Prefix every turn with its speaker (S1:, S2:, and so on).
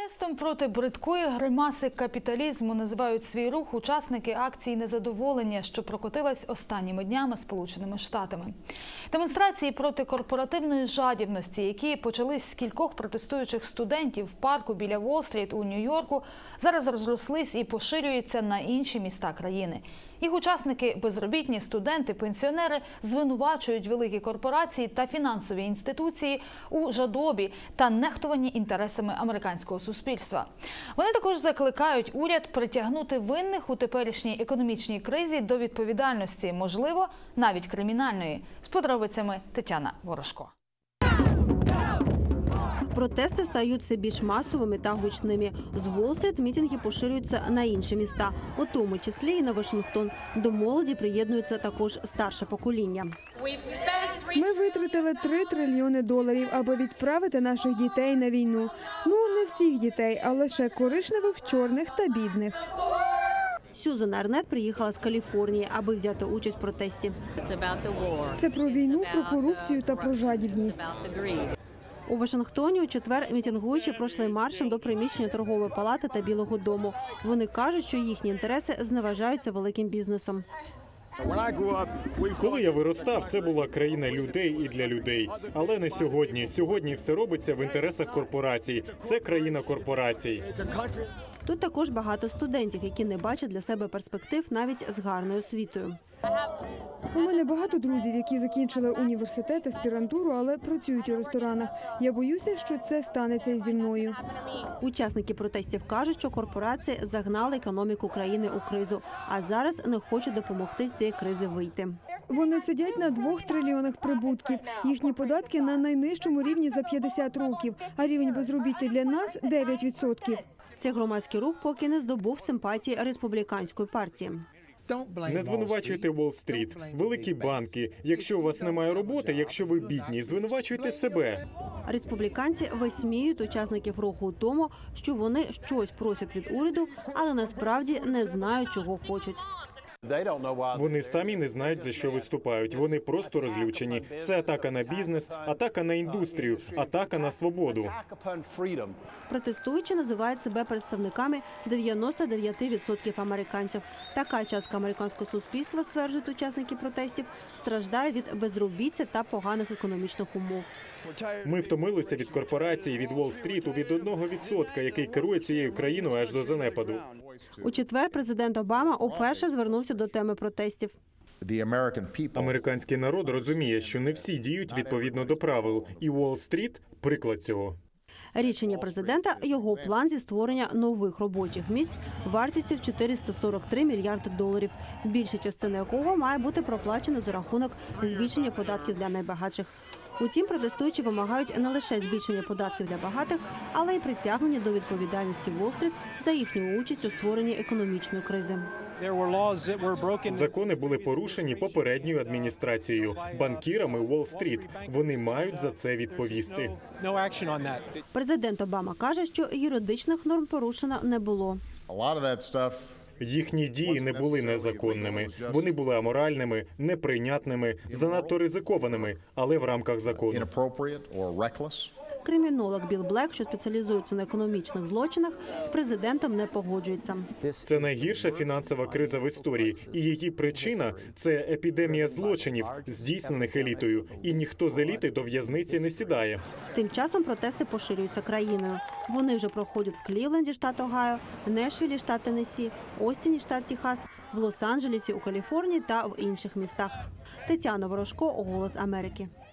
S1: Протестом проти бридкої гримаси капіталізму називають свій рух учасники акції незадоволення, що прокотилась останніми днями Сполученими Штатами. Демонстрації проти корпоративної жадібності, які почались з кількох протестуючих студентів в парку біля Уолл-стріт у Нью-Йорку, зараз розрослись і поширюються на інші міста країни. Їх учасники – безробітні, студенти, пенсіонери – звинувачують великі корпорації та фінансові інституції у жадобі та нехтуванні інтересами американського суспільства. Вони також закликають уряд притягнути винних у теперішній економічній кризі до відповідальності, можливо, навіть кримінальної. З подробицями Тетяна Ворожко.
S2: Протести стають все більш масовими та гучними. З Уолл-стріт мітинги поширюються на інші міста, у тому числі і на Вашингтон. До молоді приєднується також старше покоління.
S3: Ми витратили $3 трильйони, аби відправити наших дітей на війну. Ну, не всіх дітей, а лише коричневих, чорних та бідних.
S2: Сюзан Арнет приїхала з Каліфорнії, аби взяти участь в протесті.
S3: Це про війну, про корупцію та про жадібність.
S2: У Вашингтоні у четвер мітингуючі пройшли маршем до приміщення торгової палати та Білого дому. Вони кажуть, що їхні інтереси зневажаються великим бізнесом.
S4: Коли я виростав, це була країна людей і для людей. Але не сьогодні. Сьогодні все робиться в інтересах корпорацій. Це країна корпорацій.
S2: Тут також багато студентів, які не бачать для себе перспектив навіть з гарною освітою.
S3: У мене багато друзів, які закінчили університет, аспірантуру, але працюють у ресторанах. Я боюся, що це станеться і зі мною.
S2: Учасники протестів кажуть, що корпорації загнали економіку країни у кризу, а зараз не хочуть допомогти з цієї кризи вийти.
S3: Вони сидять на $2 трильйонах прибутків. Їхні податки на найнижчому рівні за 50 років, а рівень безробіття для нас – 9%.
S2: Цей громадський рух поки не здобув симпатії республіканської партії.
S4: Не звинувачуйте Уолл-стріт, великі банки. Якщо у вас немає роботи, якщо ви бідні, звинувачуйте себе.
S2: Республіканці висміюють учасників руху у тому, що вони щось просять від уряду, але насправді не знають, чого хочуть.
S4: Вони самі не знають, за що виступають. Вони просто розлючені. Це атака на бізнес, атака на індустрію, атака на свободу.
S2: Протестуючі називають себе представниками 99% американців. Така частка американського суспільства, стверджують учасники протестів, страждає від безробіття та поганих економічних умов.
S4: Ми втомилися від корпорацій, від Уолл-стріту, від 1%, який керує цією країною аж до занепаду.
S2: У четвер президент Обама уперше звернувся до теми протестів.
S4: Американський народ розуміє, що не всі діють відповідно до правил, і Уолл-стріт – приклад цього.
S2: Рішення президента – його план зі створення нових робочих місць вартістю в $443 мільярди, більша частина якого має бути проплачена за рахунок збільшення податків для найбагатших. Утім, протестуючі вимагають не лише збільшення податків для багатих, але й притягнення до відповідальності Уолл-стріт за їхню участь у створенні економічної кризи.
S4: Закони були порушені попередньою адміністрацією, банкірами Уолл-стріт. Вони мають за це відповісти.
S2: Президент Обама каже, що юридичних норм порушено не було.
S4: Їхні дії не були незаконними. Вони були аморальними, неприйнятними, занадто ризикованими, але в рамках закону.
S2: Кримінолог Білл Блек, що спеціалізується на економічних злочинах, з президентом не погоджується.
S4: Це найгірша фінансова криза в історії, і її причина – це епідемія злочинів, здійснених елітою, і ніхто з еліти до в'язниці не сідає.
S2: Тим часом протести поширюються країною. Вони вже проходять в Клівленді, штат Огайо, Нешвілі, штат Теннессі, Остіні, штат Техас, в Лос-Анджелесі у Каліфорнії та в інших містах. Тетяна Ворожко, Голос Америки.